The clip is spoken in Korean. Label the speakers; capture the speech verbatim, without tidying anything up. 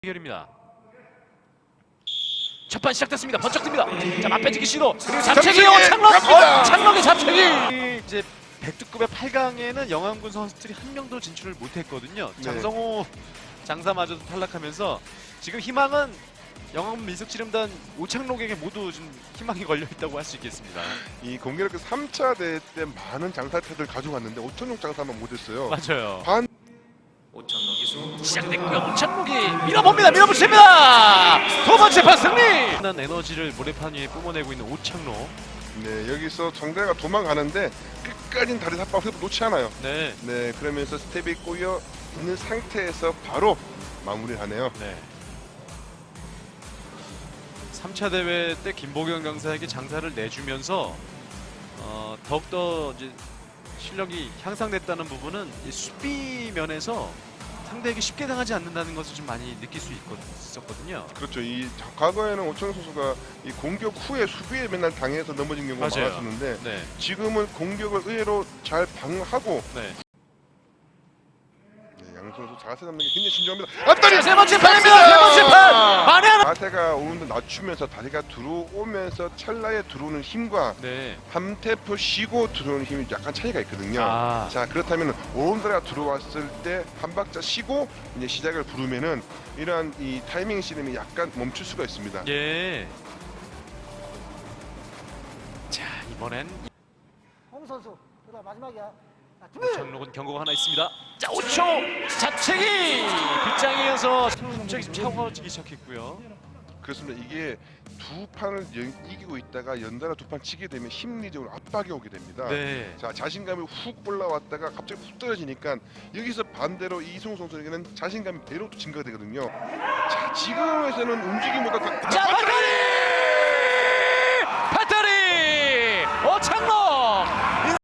Speaker 1: 해결입니다. 첫판 시작됐습니다. 번쩍 듭니다. 자, 맞배지기 시도. 그리고 잡채기요. 창럭. 어, 창럭의 잡채기.
Speaker 2: 이제 백두급의 팔 강에는 영암군 선수들이 한 명도 진출을 못했거든요.
Speaker 3: 네.
Speaker 2: 장성호 장사마저도 탈락하면서 지금 희망은 영암 민속지름단 오창록에게 모두 좀 희망이 걸려 있다고 할 수 있겠습니다.
Speaker 3: 이 공교롭게 삼 차 대회 때 많은 장사태들 가져갔는데 오천육 장사만 못했어요.
Speaker 2: 맞아요.
Speaker 3: 반
Speaker 1: 오창록 기수 시작됐고요. 오창록이 밀어봅니다. 밀어붙입니다. 두 번째 판 승리.
Speaker 2: 난 에너지를 모래판 위에 뿜어내고 있는 오창록.
Speaker 3: 네, 여기서 정대가 도망가는데 끝까지 다리 삿발 흡 놓지 않아요.
Speaker 2: 네.
Speaker 3: 네, 그러면서 스텝이 꼬여 있는 상태에서 바로 마무리하네요.
Speaker 2: 네. 삼 차 대회 때 김보경 강사에게 장사를 내주면서 어, 더욱더 이제 실력이 향상됐다는 부분은 이 수비 면에서 상대에게 쉽게 당하지 않는다는 것을 좀 많이 느낄 수 있거, 있었거든요.
Speaker 3: 그렇죠. 이 과거에는 오천육 선수가 이 공격 후에 수비에 맨날 당해서 넘어진 경우가
Speaker 2: 맞아요.
Speaker 3: 많았었는데
Speaker 2: 네.
Speaker 3: 지금은 공격을 의외로 잘 방어하고
Speaker 2: 네.
Speaker 3: 네, 양 선수 자세 잡는 게 굉장히 신중합니다. 앞다리
Speaker 1: 자, 세 번째 판입니다. 세 번째 판. 만회하는.
Speaker 3: 자세가 오는데 낮추면서 다리가 들어오면서 찰나에 들어오는 힘과
Speaker 2: 네.
Speaker 3: 한 템포 쉬고 들어오는 힘이 약간 차이가 있거든요.
Speaker 2: 아.
Speaker 3: 자, 그렇다면 오른다리가 들어왔을 때 한 박자 쉬고 이제 시작을 부르면은 이러한 이 타이밍 씨름이 약간 멈출 수가 있습니다.
Speaker 2: 예. 자, 이번엔
Speaker 4: 홍 선수 그다음 마지막이야. 자, 준비.
Speaker 2: 오창록은 경고가 하나 있습니다.
Speaker 1: 자, 오 초 잡채기. 빗장에 이어서
Speaker 2: 갑자기 좀 차가워지기 시작했고요.
Speaker 3: 그렇습니다. 이게 두 판을 연, 이기고 있다가 연달아 두 판 치게 되면 심리적으로 압박이 오게 됩니다.
Speaker 2: 네.
Speaker 3: 자, 자신감이 훅 올라왔다가 갑자기 훅 떨어지니까 여기서 반대로 이승우 선수에게는 자신감이 배로 또 증가되거든요. 자, 지금에서는 움직임보다 다,
Speaker 1: 자, 박가리.